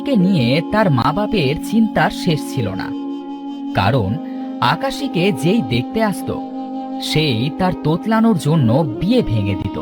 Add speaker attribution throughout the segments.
Speaker 1: আকাশীকে নিয়ে তার মা বাপের চিন্তার শেষ ছিল না, কারণ আকাশীকে যেই দেখতে আসতো সেই তার তোতলানোর জন্য বিয়ে ভেঙে দিত।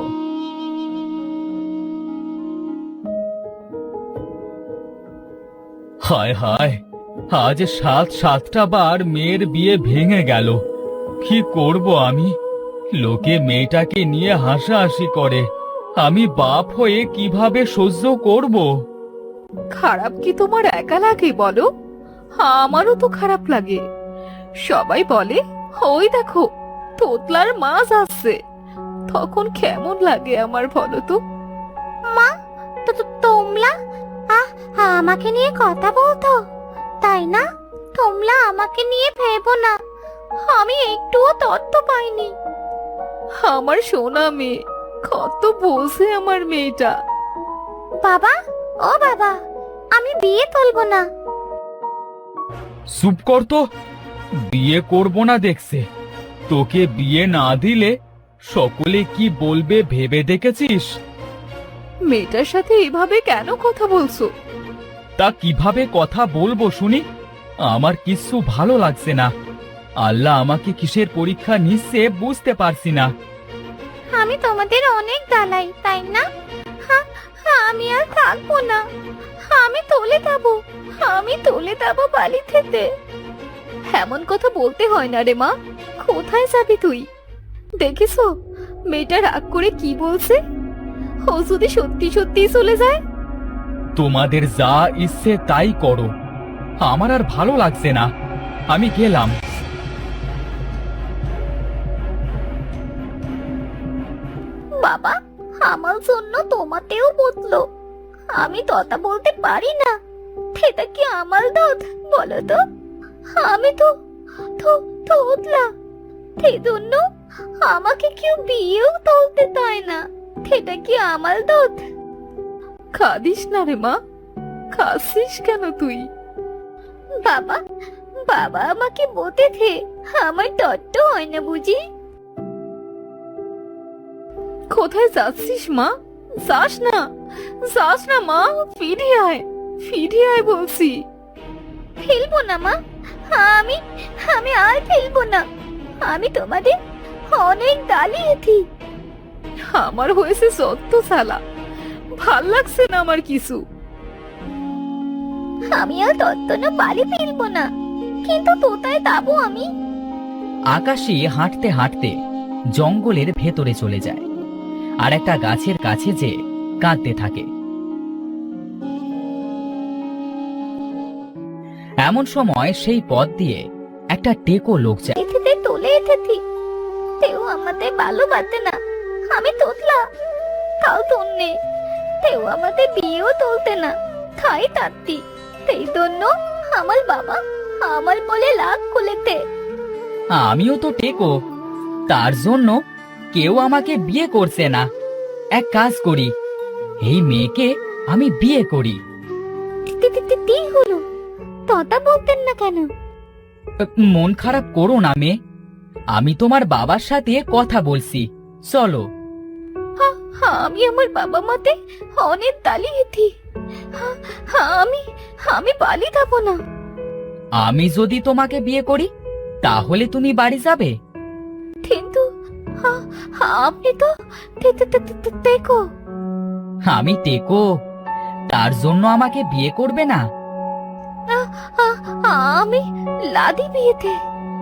Speaker 1: হায় হায়, আজ 7টা বার মেয়ের বিয়ে ভেঙে গেল। কি করব আমি? লোকে মেয়েটাকে নিয়ে হাসাহাসি করে, আমি বাপ হয়ে কিভাবে সহ্য করব?
Speaker 2: খারাপ কি তোমার একা লাগে বলো? আমারও তো খারাপ লাগে। সবাই বলে ওই দেখো তোতলার মাছ আসছে, তখন কেমন লাগে আমার বলো তো?
Speaker 3: মা, তোমরা আমাকে নিয়ে কথা বলতো, তাই না? তোমরা আমাকে নিয়ে ভেবো না, আমি একটুও তথ্য পাইনি।
Speaker 2: আমার সোনা মেয়ে, কত বোঝে আমার মেয়েটা।
Speaker 3: বাবা, ও বাবা, আমি বিয়ে তুলবো না।
Speaker 1: চুপ কর তো, বিয়ে করব না দেখছে। তোকে বিয়ে না দিলে সকলে কি বলবে ভেবে দেখেছিস?
Speaker 2: মেয়েটার সাথে এভাবে কেন কথা বলছো?
Speaker 1: তা কিভাবে কথা বলবো শুনি? আমার কিছু ভালো লাগছে না। আল্লাহ আমাকে কিসের পরীক্ষা নিচ্ছে বুঝতে পারছি না।
Speaker 3: আমি তোমাদের অনেক দালাই, তাই না? আমি আর থাকবো না, আমি তুলে যাবো, আমি তুলে যাবো বালি থেকে।
Speaker 2: এমন কথা বলতে হয় না রে মা। কোথায় যাবি তুই? দেখেছো মেয়েটা রাগ করে কি বলছে? ও যদি সত্যি সত্যি চলে যায়?
Speaker 1: তোমাদের যা ইচ্ছে তাই করো, আমার আর ভালো লাগছে না, আমি গেলাম।
Speaker 3: বাবা, আমার জন্য তোমাতেও বদলো। আমি তথা বলতে পারি না, সেটা কি আমার দোষ বলো তো? আমি তো তোতলা, সেই জন্য আমাকে কেউ বিয়েও তুলতে চায় না, সেটা কি আমার দোষ?
Speaker 2: কাঁদিস না রে মা, কাঁদছিস কেন তুই?
Speaker 3: বাবা, বাবা আমাকে বলেছে আমার তত্ত্ব হয় না বুঝি।
Speaker 2: কোথায় যাচ্ছিস মা? যাস না, যাস না মা, ফিরে আয়, ফিরে আয় বলছি।
Speaker 3: ফেলবো না মা, আমি আমি আর ফেলবো না। আমি তোমাদের অনেক গালিয়েছি।
Speaker 2: আমার হয়েছে সত্য সালা, ভাল লাগছে না আমার কিছু।
Speaker 3: আমি আর তত্ত্ব না বালি ফেলবো না, কিন্তু তোতায় যাবো আমি।
Speaker 1: আকাশী হাঁটতে হাঁটতে জঙ্গলের ভেতরে চলে যায় আর একটা গাছের কাছে যেয়ে কাঁদতে থাকে। এমন সময় সেই পথ দিয়ে একটা টেকো লোক যায়।
Speaker 3: এতে তুলে এসেছি, তেও আমাদের ভালোবাসে না। আমি তোতলা, তাও তন্নে, তেও আমাদের বিয়েও তুলতে না, খাই তাত্তি। সেই জন্য আমার বাবা আমার বলে লাগ খুলেতে।
Speaker 1: আমিও তো টেকো, তার জন্য কেউ আমাকে বিয়ে করছে না। এক কাজ করি, এই মেয়েকে আমি বিয়ে করি।
Speaker 3: কি হলো? ততা বলতেন না কেন?
Speaker 1: মন খারাপ করো না মেয়ে, আমি তোমার বাবার সাথে কথা বলছি, চলো।
Speaker 3: আমি আমার বাবা মাতে অনেক দালিয়েছি। আমি আমি বালি যাবো না।
Speaker 1: আমি যদি তোমাকে বিয়ে করি তাহলে তুমি বাড়ি যাবে?
Speaker 3: কিন্তু আপনি তো দেখো।
Speaker 1: আমি টেকো, তার জন্য আমাকে বিয়ে করবে না?
Speaker 3: আমি লাদি বিয়েতে।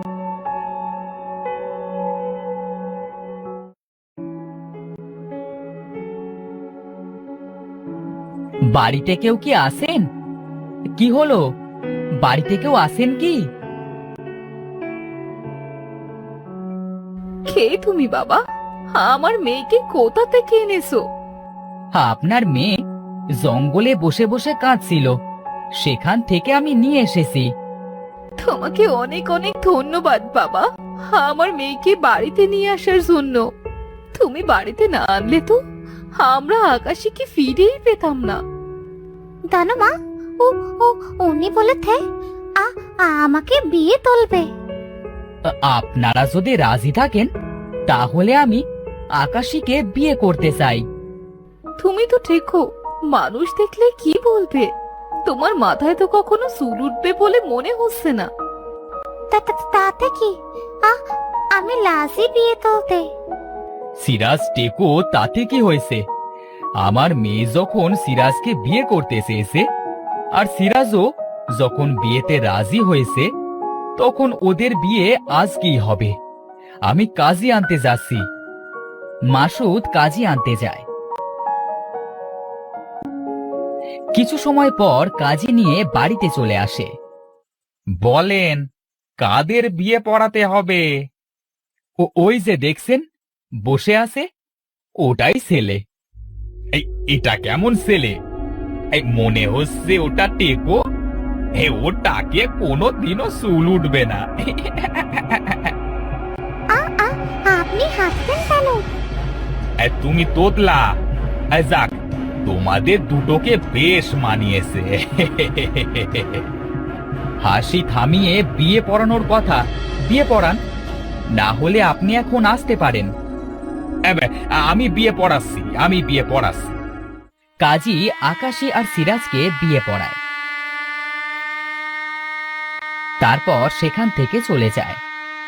Speaker 1: বাড়িতে কেউ কি আসেন? কি হলো, বাড়িতে কেউ আসেন কি?
Speaker 2: কে তুমি বাবা? আমার মেয়েকে কোথা থেকে এনেছো?
Speaker 1: আপনার মেয়ে জঙ্গলে বসে বসে কাঁদছিল, সেখান থেকে আমি নিয়ে এসেছি।
Speaker 2: তোমাকে অনেক অনেক ধন্যবাদ বাবা, আমার মেয়েকে বাড়িতে নিয়ে আসার জন্য। তুমি বাড়িতে না আনলে তো আমরা আকাশীকে ফিরেই পেতাম না।
Speaker 3: জানো মা, ও ও উনি বলেছে আমাকে বিয়ে তুলবে।
Speaker 1: আপনারা যদি রাজি থাকেন তাহলে আমি আকাশীকে বিয়ে করতে চাই।
Speaker 2: তুমি তো ঠিকও, মানুষ দেখলে কি বলবে? তোমার মাথায় তো কখনো চুল উঠবে বলে মনে হচ্ছে না।
Speaker 3: তাতে কি, আমি লাজি বিয়ে তুলতে।
Speaker 1: সিরাজ টেকো, তাতে কি হয়েছে? আমার মেয়ে যখন সিরাজকে বিয়ে করতে চেয়েছে আর সিরাজও যখন বিয়েতে রাজি হয়েছে, তখন ওদের বিয়ে আজকেই হবে। আমি কাজী আনতে যাচ্ছি। মাসুদ কাজী আনতে যায়। কিছু সময় পর কাজী নিয়ে বাড়িতে চলে আসে। বলেন, কাদের বিয়ে পড়াতে হবে? ওই যে দেখছেন বসে আছে, ওটাই ছেলে। এটা কেমন ছেলে? মনে হচ্ছে ওটা টেকো। ওটাকে কোনোদিনও চুল উঠবে না।
Speaker 3: আপনি হাসছেন কেন?
Speaker 1: তুমি তোতলা। যাক, তোমাদের দুটোকে বেশ মানিয়েছে। হাসি থামিয়ে বিয়ে পড়ানোর কথা বিয়ে পড়ান, না হলে আপনি এখন আসতে পারেন। আমি বিয়ে পড়াচ্ছি। কাজী আকাশী আর সিরাজকে বিয়ে পড়ায়, তারপর সেখান থেকে চলে যায়।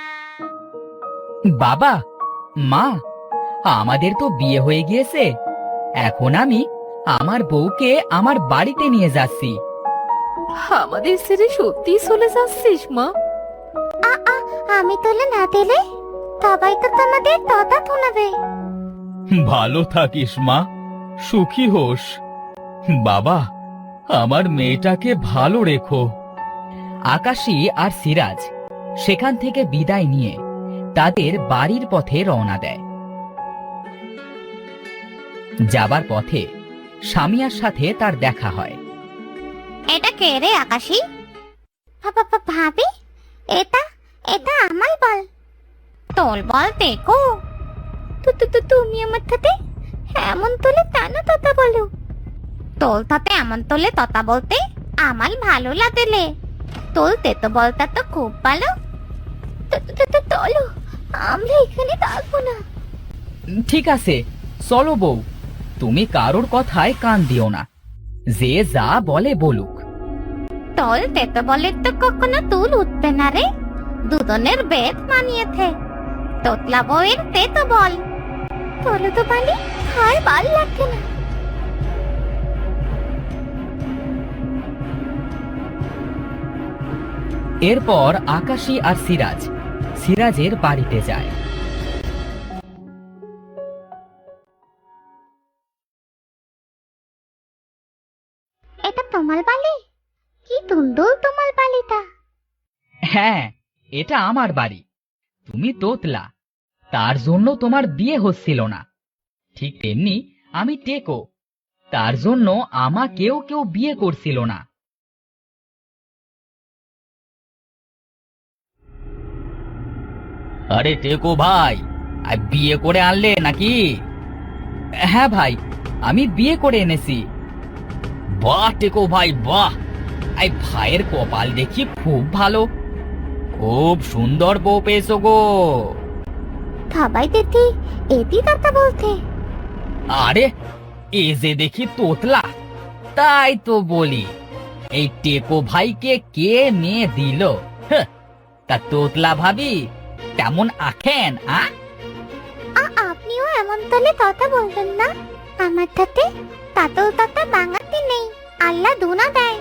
Speaker 1: বাবা, মা, আমাদের তো বিয়ে হয়ে গিয়েছে। এখন আমি আমার বউকে আমার বাড়িতে নিয়ে যাচ্ছি।
Speaker 2: আমাদের ছেড়ে সত্যি চলে যাচ্ছিস মা?
Speaker 3: আমি তুলে না দিলে সবাই তো তোমাদের ততা শোনাবে।
Speaker 1: ভালো থাকিস মা, সুখী হোস। বাবা, আমার মেয়েটাকে ভালো রেখো। আকাশী আর সিরাজ সেখান থেকে বিদায় নিয়ে তাদের বাড়ির পথে রওনা দেয়। যাবার পথে স্বামীয়ার সাথে তার দেখা হয়।
Speaker 3: এটা কে রে আকাশী? ভাবি, এটা আমার বল। তোর বল দেখো। তুমি আমার সাথে এমন তোলে টানা ততা বলো। তোর সাথে এমন তোলে ততা বলতে আমার ভালো লাগলে। তোলতে তো বলতা তো খুব ভালো। চলো, আমরা এখানে থাকবো না।
Speaker 1: ঠিক আছে, চলো বউ, তুমি কারোর কথায় কান দিও না। যে যা বলে বলুক।
Speaker 3: তোলতে তো বলে তো কখনো তুল উঠবে না রে। দুজনের বেদ মানিয়েছে। তোতলা বউয়ের তে তো বল। তোলো তো বালি, আর ভাল লাগছে না।
Speaker 1: এরপর আকাশী আর সিরাজ সিরাজের বাড়িতে যায়।
Speaker 3: এটা তোমার বালি? কি সুন্দর তোমার বালিটা।
Speaker 1: হ্যাঁ, এটা আমার বাড়ি। তুমি তোতলা, তার জন্য তোমার বিয়ে হচ্ছিল না। ঠিক তেমনি আমি টেকো, তার জন্য আমাকেও কেউ বিয়ে করছিল না। আরে টেকো ভাই, বিয়ে করে আনলে নাকি? হ্যাঁ ভাই, আমি বিয়ে করে এনেছি। বাহ টেকো ভাই, বাহ! এই ভাইয়ের কপাল দেখি খুব ভালো। খুব সুন্দর বউ পেয়েছো গো।
Speaker 3: সবাই দেখি এটি কথা বলতে।
Speaker 1: আরে, এ যে দেখি তোতলা, তাই তো বলি এই টেকো ভাইকে কে মেয়ে দিল। তা তোতলা ভাবি তেমন আখেন?
Speaker 3: আপনিও এমন তলে কথা বলবেন না। আমার সাথে তাতেও তাতে বাঙাতি নেই, আল্লাহ দুনা দেয়।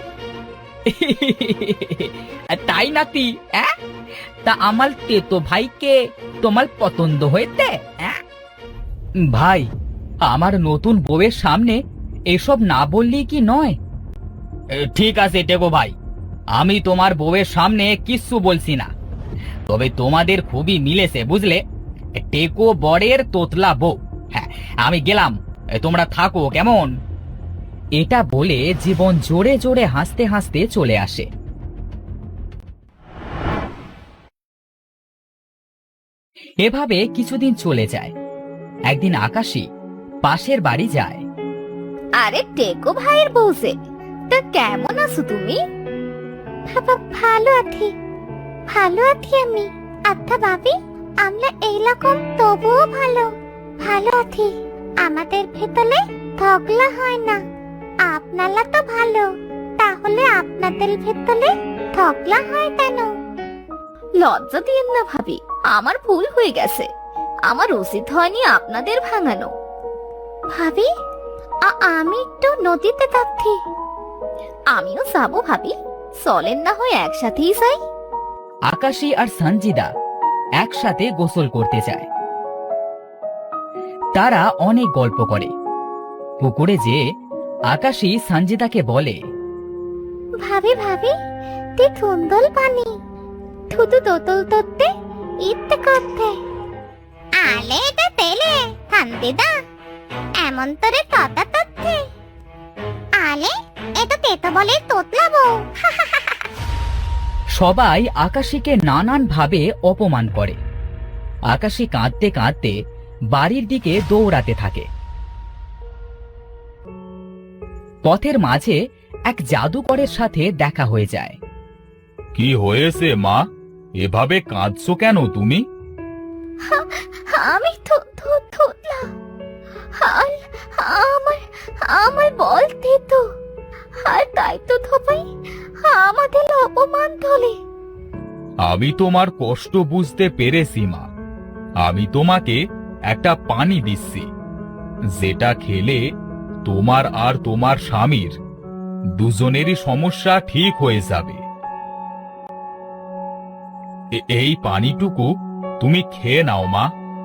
Speaker 1: তাই নাতি? তা আমার তেতো ভাইকে তোমার পছন্দ হয়েছে? ভাই, আমার নতুন বউয়ের সামনে এসব না বললি কি নয়? ঠিক আছে টেকো ভাই, আমি তোমার বউয়ের সামনে কিচ্ছু বলছি না। তবে তোমাদের খুবই মিলেছে বুঝলে। টেকো বরের তোতলা বউ। হ্যাঁ, আমি গেলাম, তোমরা থাকো কেমন? এটা বলে জীবন জোরে জোরে হাসতে হাসতে চলে আসে। এভাবে কিছুদিন চলে যায়। একদিন আকাশী পাশের বাড়ি যায়।
Speaker 2: আরে টেকো ভাইয়ের বউসে, তা কেমন আছো তুমি?
Speaker 3: ভালো আছি আমি। আচ্ছা ভাবি, আমরা এইরকম তবুও ভালো আছি। আমাদের ভেতরে ঝগড়া হয় না। আপনারা তো ভালো, তাহলে আপনাদের ভেতরে ঝগড়া হয় কেন?
Speaker 2: লজ্জা দিয়েন না ভাবি, আমার ভুল হয়ে গেছে। আমার উচিত হয়নি আপনাদের ভাঙানো।
Speaker 3: ভাবি, আমি একটু নদীতে যাচ্ছি।
Speaker 2: আমিও যাবো ভাবি, চলেন না হয় একসাথেই যাই।
Speaker 4: আকাশী আর সঞ্জিদা একসাথে গোসল করতে যায়। তারা অনেক গল্প করে। পুকুরে যেয়ে আকাশী সঞ্জিদাকে বলে,
Speaker 3: ভাবি ভাবি, তে সুন্দর পানি, শুধু দোতল ধরতে ইচ্ছে করতে। আলে এটা তেলে সঞ্জিদা, এমন তোরে ততা তথ্যে। আলে এটা তেতো বলে তোতলাবো।
Speaker 4: সবাই আকাশীকে নানান ভাবে অপমান করে। আকাশী কাঁদতে কাঁদতে বাড়ির দিকে দৌড়াতে থাকে। পথের মাঝে এক জাদুকরের সাথে দেখা হয়ে যায়।
Speaker 1: কি হয়েছে মা, এভাবে কাঁদছো কেন তুমি?
Speaker 3: আমি থুতলা, আর আমার আমার বলতে তো, আর তাই তো ধোপাই আমাদের অপমান তোলে।
Speaker 1: আমি তোমার কষ্ট বুঝতে পেরেছি মা। আমি তোমাকে একটা পানি দিচ্ছি, যেটা খেলে তোমার আর তোমার স্বামীর দুজনেরই সমস্যা ঠিক হয়ে যাবে। এই পানিটুকু তুমি খেয়ে নাও মা।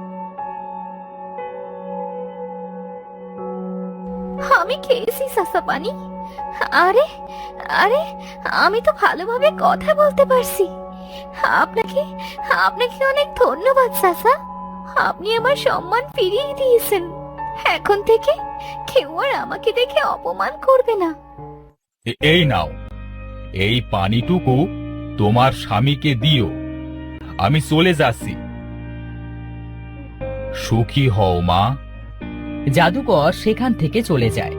Speaker 2: আমি খেয়েছি সাসা পানি। আরে আরে, আমি তো ভালোভাবে কথা বলতে পারছি। আপনাকে আপনাকে অনেক ধন্যবাদ সাসা। আপনি আমার সম্মান ফিরিয়ে দিয়েছেন। এখন থেকে কেউ আর আমাকে দেখে অপমান করবে না।
Speaker 1: এই নাও, এই পানিটুকু তোমার স্বামীকে দিও। আমি চলে যাচ্ছি। সুখী হও মা।
Speaker 4: জাদুকর সেখান থেকে চলে যায়।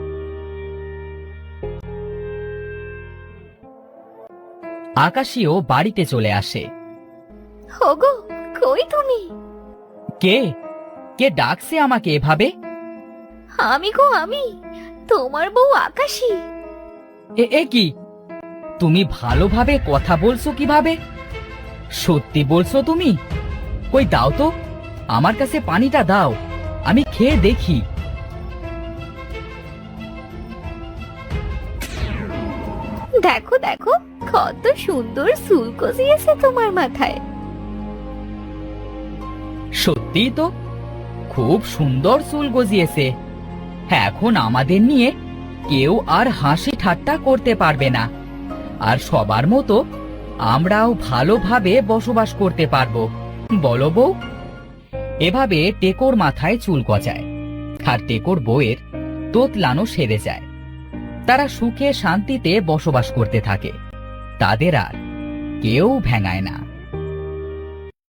Speaker 4: আকাশীও বাড়িতে চলে আসে।
Speaker 2: ওগো, কই তুমি?
Speaker 4: কে কে ডাকছে আমাকে এভাবে?
Speaker 2: আমি গো, আমি তোমার বউ আকাশী।
Speaker 4: এ কি, তুমি ভালোভাবে কথা বলছো কিভাবে? সত্যি বলছো তুমি? কই দাও তো, আমার কাছে পানিটা দাও, আমি খেয়ে দেখি।
Speaker 2: দেখো দেখো, কত সুন্দর চুল গজিয়েছে তোমার মাথায়।
Speaker 4: সত্যিই তো, খুব সুন্দর চুল গজিয়েছে। এখন আমাদের নিয়ে কেউ আর হাসি ঠাট্টা করতে পারবে না, আর সবার মতো আমরাও ভালোভাবে বসবাস করতে পারবো, বলো বউ? এভাবে টেকোর মাথায় চুল গজায়, আর টেকোর বউয়ের তোতলানো সেরে যায়। তারা সুখে শান্তিতে বসবাস করতে থাকে, তাদের আর কেউ ভেঙায় না।